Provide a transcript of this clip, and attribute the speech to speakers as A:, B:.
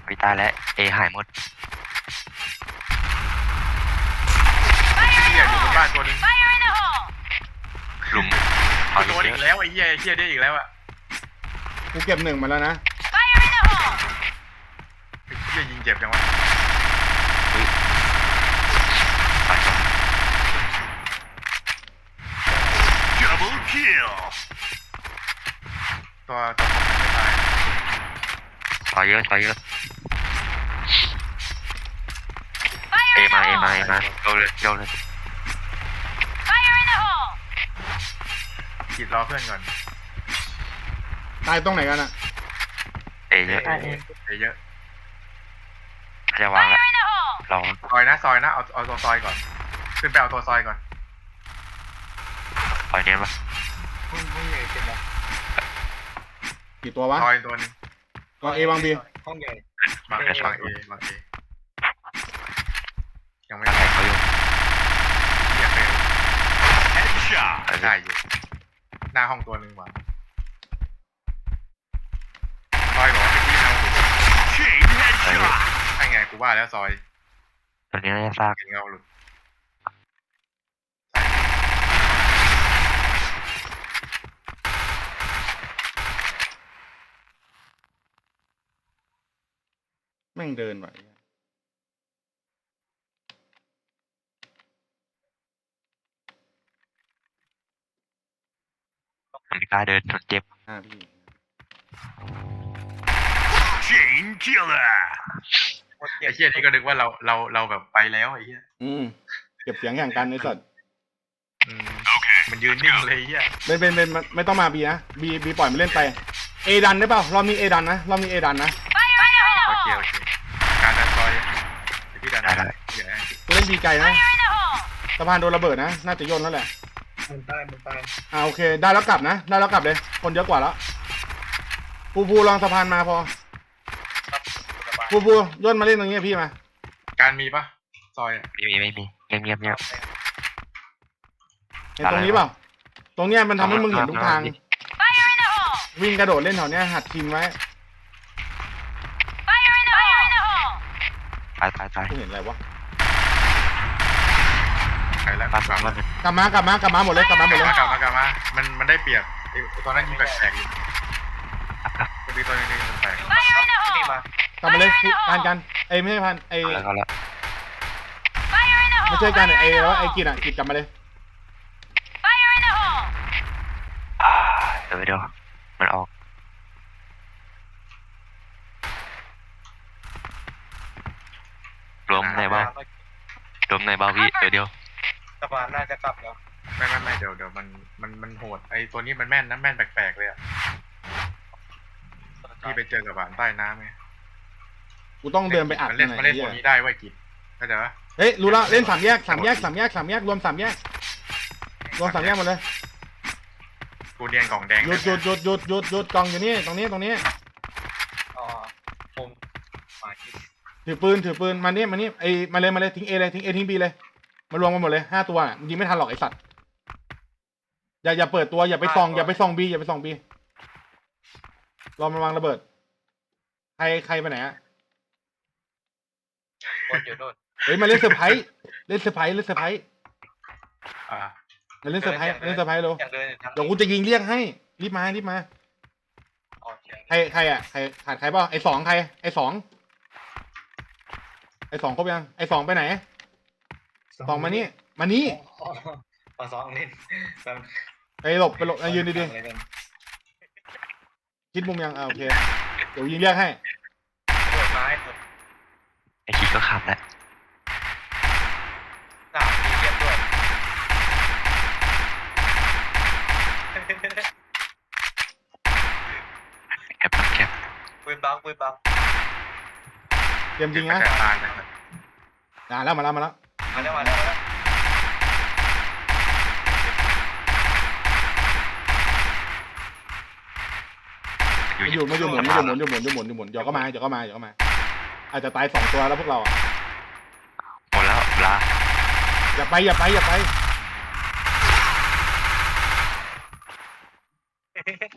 A: ไม่ตายแล้วเอหายหมด
B: เฮียอยู่บนบ้านตัวนึง
A: ลุม
B: โดนอีกแล้วไอ้เฮียได้อีกแล้วอะ
C: กูเก็บ1มาแล้วนะ
B: ไอ้เฮียยิงเจ็บจังวะ
A: ตายก่อน
D: Double kill.
B: ตัวผมไม่ตาย
A: ต่อยเยอะเอมาโยนเลย
B: ขีดรอเพื่อนก่อน
C: ตายตรงไหนกันอะ
A: เอเยอะ
B: เยอะ
A: จะวางแล้วลอง
B: ซอยนะเอาตัวซอยก่อนขึ้นไปเอาตัวซอยก่อน
A: ต่อยเนี้ยปะ
E: ห้องใหญ่เต็มแล้ว
C: กี่ตัววะ
B: ซอยตัวนึง
C: วางเอวางบี
E: ห้องใหญ่
B: บางเอยังไม่
A: อะไร
B: ได้
A: เขาอยู่
B: เฮียเฟล
D: Headshot.
B: ได้อยู่หน้าห้องตัวนึงว่ะซอยบอกว่าไปที่เอา
D: Chain headshot.
B: ใช่ไงกูว่าแล้วซอย
A: ตัวนี้น่าจะซาก
B: เห็นเงาหลุด
C: แม่งเดินไหว
A: มันไม่กล้าเดินมันเจ็บ
C: พี่
D: Chain killer.
B: ไอ้เฮียนี่ก็นึกว่าเราแบบไปแล้วไอ้เฮีย
C: เก็บเสียงอย่างกันไอ้สัตว์
B: มันยืนนิ่งเลยเฮีย
C: เป็นไม่ต้องมาบีนะบีปล่อยมันเล่นไปเอดันได้เปล่ารอบนี้เอดันนะโอเค
B: การดันซอยพี่ดันได้เดี๋ยว
C: กูเล่นบีไกลนะสะพานโดนระเบิดนะน่าจะย่นแล้วแหละ
E: มันตาย
C: โอเคได้แล้วกลับนะได้แล้วกลับเลยคนเยอะกว่าแล้วภูลองสะพานมาพอภูย่นมาเล่นตรงนี้พี่มา
B: การมีปะซอย
A: ไม่มีเงียบ
C: เห็นตรงนี้เปล่าตรงเนี้ยมันทำให้มึงเห็นทุกทางวิ่งกระโดดเล่นแถวเนี้ยหัดทีมไว้
A: ตาย
C: กูเห็นอะไรวะ
B: ใครแล้ว
A: บ้านมัน
C: กลับมาหมดเลยกลับมา
B: มันได้เปรียบตอนนั้นยิงแปลกๆอยู่ตัวนี้แปลก
E: นี่มาก
C: ลับมาเลยกันไม่ใช่พัน
A: แล้ว
C: ไม่ใช่กันแล้วกิจกลับมาเลย
A: เดี๋ยวมันออกรวมในเบ้าพี่เดียว
E: สะพานน่าจะกลับแล้ว
B: ไม่เดี๋ยวมันโหดไอตัวนี้มันแม่นนะแม่นแปลกๆเลยอ่ะที่ไปเจอกับบ้านใต้น้ำไง
C: กูต้องเดินไปอัด
B: มันเล่นตัวนี้ได้ไว้กิจเข้าใจปะ
C: เฮ้ยรู้แล้วเล่น3 แยกรวม3 แยกรวม3 แยกหมดเลย
B: กูเนียนกล่องแดง
C: หยุดกองอยู่นี่ตรงนี้
E: อ๋อผมมาคิด
C: ถือปืนมานี่มาเลยทิ้งทิ้งบีเลยมารวมกันหมดเลย5 ตัวยิงไม่ทันหรอกไอสัตว์อย่าเปิดตัวอย่าไปส่องบีรอมันวางระเบิดใครไปไหน
E: คนอยู่นู่น
C: เฮ้ยมาเล่นเซอร์ไพรส์มาเล่นเซอร์ไพรส์เร็ว
E: อยากเดินทาง
C: เดี๋ยวกูจะยิงเรียกให้รีบมาใครขาดใครเปล่าไอ้2ใครไอ้2ครบยังไอ้2ไปไหน2มานี่
E: ปอสองเล่น
C: ไปหลบยืนดีๆคิดมุมยังโอเคเดี๋ยวยิงเรียกให้
E: เปิดไม้
A: ไอคิดก็ขับแล้ว
E: หนาวมีเรียบด้วย
A: แคบ
E: ปืนบัง
C: เตรียมยิงนะมาแล้ว
E: มาแล้ว
A: อยู่
C: หมุนเดี๋ยวก็มาอาจจะตาย2 ตัวแล้วพวกเรา
A: หมดแล้วลา
C: อย่าไป